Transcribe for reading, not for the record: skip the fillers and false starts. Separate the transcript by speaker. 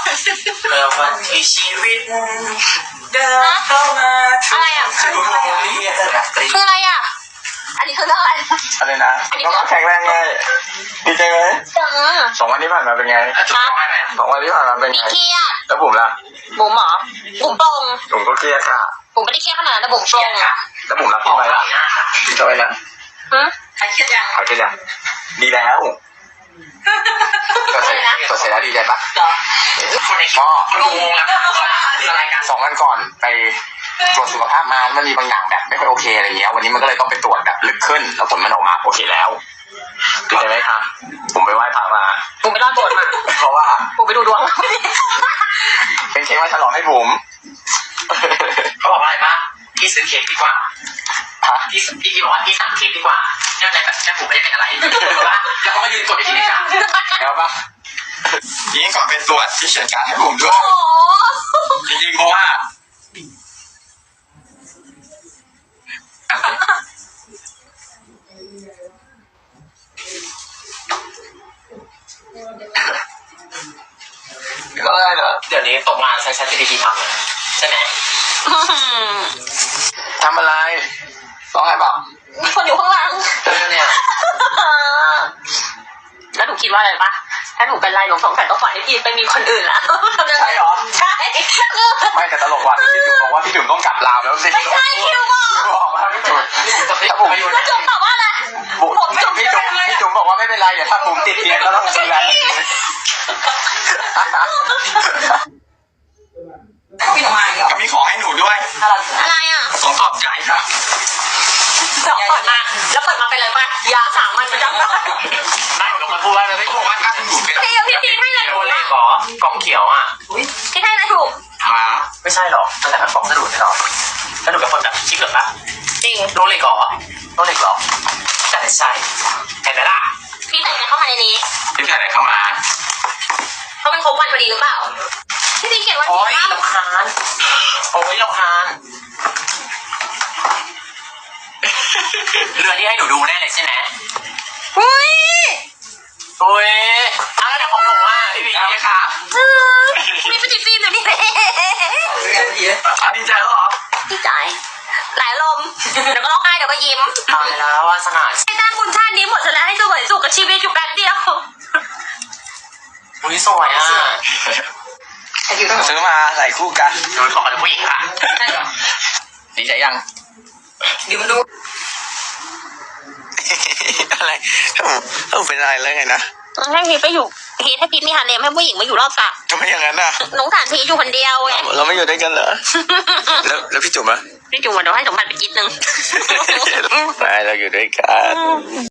Speaker 1: เมื่อวันที่ชีวิตเดินเข้ามาอะไรอ่ะ
Speaker 2: คืออะไรอ่ะอันนี้คือเรื่องอะไร
Speaker 3: อะไรนะก็แข็งแรงไงดีใจไหม2 วันที่ผ่านมาเป็นไง2 วันที่ผ่านมาเป็นไง
Speaker 2: เครียด
Speaker 3: แล้วผมล่ะ
Speaker 2: บุ๋มหรอบุ๋มตรง
Speaker 3: ผมก็เครียดค่ะ
Speaker 2: บุ๋มไม่ได้เครียดขนาดนั้นแต่บุ๋มตรง
Speaker 3: แล้วผมรับทำไมล่ะทำไมล่ะ
Speaker 2: ใครเครียดยัง
Speaker 3: เขาเครียดยังดีแล้วก็เสร็จแล้วดีใจปะก็2 วันก่อนไปตรวจสุขภาพมามันมีบางอย่างแบบไม่ค่อยโอเคอะไรเงี้ยวันนี้มันก็เลยต้องไปตรวจแบบลึกขึ้นแล้วผลมันออกมาโอเคแล้วดีใจไหมครับผมไปไหว้พระมา
Speaker 2: ผมไปรอดโบสถ์มา
Speaker 3: เพราะว่า
Speaker 2: ผมไปดูดวง
Speaker 3: เป็นเค้กมาฉลองให้ผม
Speaker 1: เขาบอกว่าอะไรปะพี่ซื้อเค้กดีกว่าพี่บอกว่าพี่สั่งเค้กดีกว่าเนื่องจากแบบแค่ผมไม่ได้เป็นอะไรแล้วเขาก็ยืนกดไปที่นี่จ้ะ
Speaker 3: แล้วปะยิ่งก่อนไปตรวจที่เขียนการให้ผมด้วยจริงๆเพราะว่าก็ได้เหรอ
Speaker 1: เดี๋ยวนี้ตกงานใช้ ChatGPT ทำใช่ไหม
Speaker 3: ทำอะไรร้องไห้เปล่า
Speaker 2: มีคนอยู่ข้างหลัง
Speaker 1: เนี่ย
Speaker 2: แล้วหนูคิดว่าอะไรปะถ้าหนูเป็นไรหนูสงสัยต้องปล่อยให้พี่ไปมีคนอื่นละ
Speaker 3: ใช่หรอ
Speaker 2: ใช่
Speaker 3: ไม่แต่ตลกว่ะพี่จุ๋มบอกว่าพี่จุ๋มต้องกลับลาวแล้ว
Speaker 2: ไม่ใช่คิวบอก
Speaker 3: ว่าพี่จุ๋ม
Speaker 2: แล้วจุ๋มตอบว่าอะไร
Speaker 3: พี่จุ๋มบอกว่าไม่เป็นไรเดี๋ยวถ้าผมติดเตียงก็ต้องดูแล
Speaker 1: พี่ทำไมอ่ะ
Speaker 3: มีของให้หนูด้วย
Speaker 2: อะไรอ่ะ
Speaker 3: ของขอบใจครับ
Speaker 2: เปิดมาแล้วเปิดมาเป็นอะไรป่ะยา3 มันจำได้
Speaker 1: ได้หนูมาพูดว่าเลยไม่ถูกว่าถ้าถูกไม่ได้
Speaker 2: พี่ให้อะไร
Speaker 1: ถูกเลยหรอกล่องเขียวอ่ะ
Speaker 2: พี่ให้อะไรถูก
Speaker 1: ไม่ใช่หรอกตั้งแต่กล่องสะดุดไม่หรอกถ้าหนูเป็นคนแบบคิดเหรอปะ
Speaker 2: จริง
Speaker 1: โรเล็กหรอแต่ไม่ใช่เห็นไหมล่ะ
Speaker 2: พี่ใส่เข้ามาในนี้
Speaker 3: พี่ใส่อะไรเข้ามา
Speaker 2: เขาเป็นครบวันพอดีหรือเปล่าพี่เขียนวันที่
Speaker 1: รำคาญรำคาญเรือที่ให้หนูดูแน่เลยใช่ไหม
Speaker 2: อุ้ย
Speaker 1: อะไรแต่ของหนูอ่ะพี่บีนะคะ
Speaker 2: มีปฏิฟิล์มอยู่นี่
Speaker 3: ดีใจเหรอ
Speaker 2: ดีใจหลายลมเดี๋ยวก็ร้องไห้เดี๋ยวก็ยิ้ม
Speaker 1: ตายแล้วว่าสง่า
Speaker 2: ให้ตามบุญชาตินี้หมดแล้วให้สวยสุขกับชีวิตอยู่กันเดียว
Speaker 1: อุ้ยสวยอ่ะ
Speaker 3: ซื้อมาใส่คู่กัน
Speaker 1: หนูขอเป็นผู้หญิงค่ะ
Speaker 3: ดีใจยัง
Speaker 1: ดิวดู
Speaker 3: อะไรถ้าผมเป็นอะไรแล้วไงนะ
Speaker 2: ให้พีทไปอยู่พีทให้พีทมีฮาเลมให้ผู้หญิงมาอยู่รอบสระ
Speaker 3: ทำไมอย่างนั้นน่ะ
Speaker 2: น้องฐานพีทอยู่คนเดียวไง
Speaker 3: เราไม่อยู่ด้วยกันเหรอแล้วพี่จุ๋มอะ
Speaker 2: พี่จุ๋มเดี๋ยวให้สมบัติไปกินนึง
Speaker 3: ไม่เราอยู่ด้วยกัน